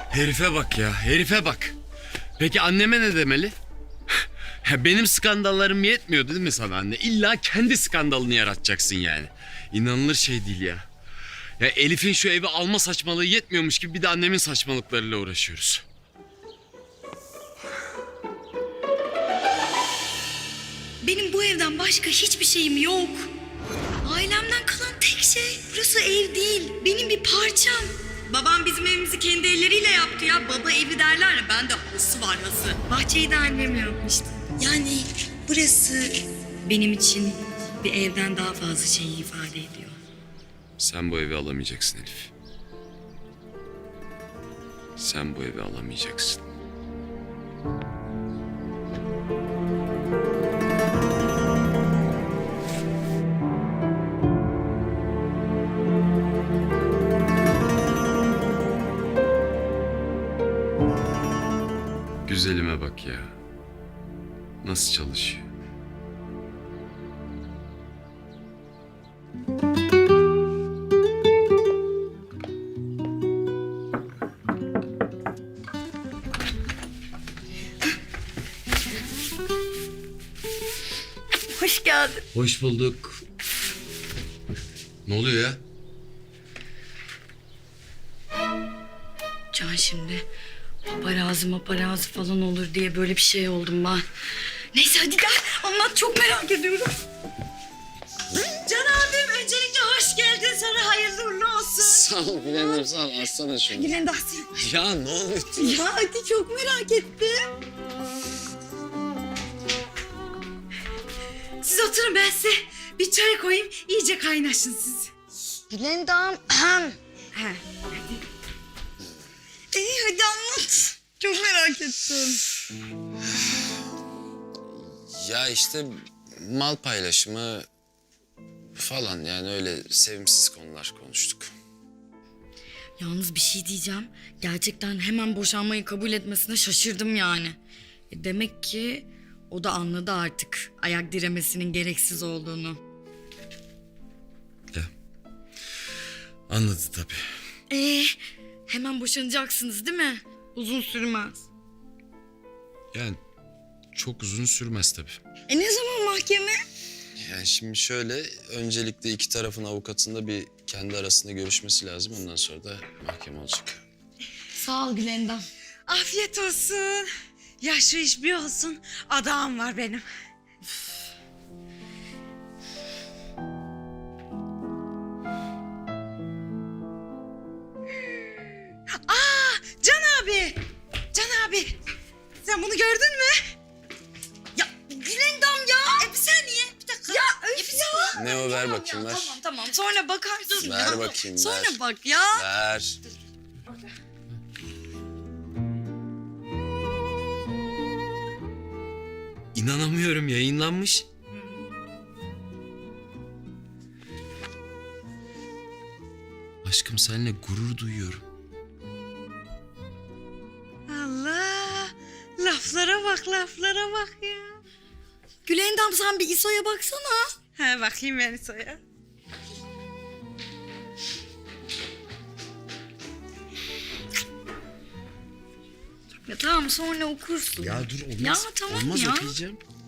Herife bak ya, herife bak. Peki anneme ne demeli? Benim skandallarım yetmiyor değil mi sana anne? İlla kendi skandalını yaratacaksın yani. İnanılır şey değil ya. Ya Elif'in şu evi alma saçmalığı yetmiyormuş gibi bir de annemin saçmalıklarıyla uğraşıyoruz. Benim bu evden başka hiçbir şeyim yok. Ailemden kalan tek şey burası ev değil. Benim bir parçam. Babam bizim evimizi kendi elleriyle yaptı ya. Baba evi derler ya, bende hası var hası. Bahçeyi de annem yapmıştı. Yani burası benim için bir evden daha fazla şeyi ifade ediyor. Sen bu evi alamayacaksın Elif. Sen bu evi alamayacaksın. Güzelime bak ya. Nasıl çalışıyor? Hoş geldin. Hoş bulduk. Ne oluyor ya? Can, şimdi paparazzi falan olur diye böyle bir şey oldum ben. Neyse hadi gel anlat, çok merak ediyorum. Can abim, öncelikle hoş geldin, sana hayırlı uğurlu olsun. Sağ ol Gülen'im, sağ ol. Açsana şunu. Gülen Dahsin. Ya ne oluyor? Ya hadi, çok merak ettim. Siz oturun, ben size bir çay koyayım, iyice kaynaşın siz. Gülendam. He. İyi hadi anlat. Çok merak ettim. Ya işte mal paylaşımı falan, yani öyle sevimsiz konular konuştuk. Yalnız bir şey diyeceğim. Gerçekten hemen boşanmayı kabul etmesine şaşırdım yani. Demek ki o da anladı artık ayak diremesinin gereksiz olduğunu. Ya. Anladı tabii. Hemen boşanacaksınız değil mi? Uzun sürmez. Yani çok uzun sürmez tabii. Ne zaman mahkeme? Yani şimdi şöyle, öncelikle iki tarafın avukatında bir kendi arasında görüşmesi lazım. Ondan sonra da mahkeme olacak. Sağ ol Gülendam. Afiyet olsun. Ya şu iş bir olsun. Adağım var benim. Can abi. Can abi. Sen bunu gördün mü? Ya Gülendam ya. Bir saniye. Bir dakika. Ya öf ya. Ne o, ver bakayım, ver. Tamam sonra bakarsın. Ver ya. bakayım, Sonra ver. bak ya. Ver. İnanamıyorum, yayınlanmış. Aşkım, seninle gurur duyuyorum. Allah. Laflara bak, laflara bak ya. Gülendam, sen bir İso'ya baksana. Ha, bakayım ben soya. Ya tamam, sonra okursun. Ya dur, olmaz. Ya tamam olmaz, ya. okuyacağım.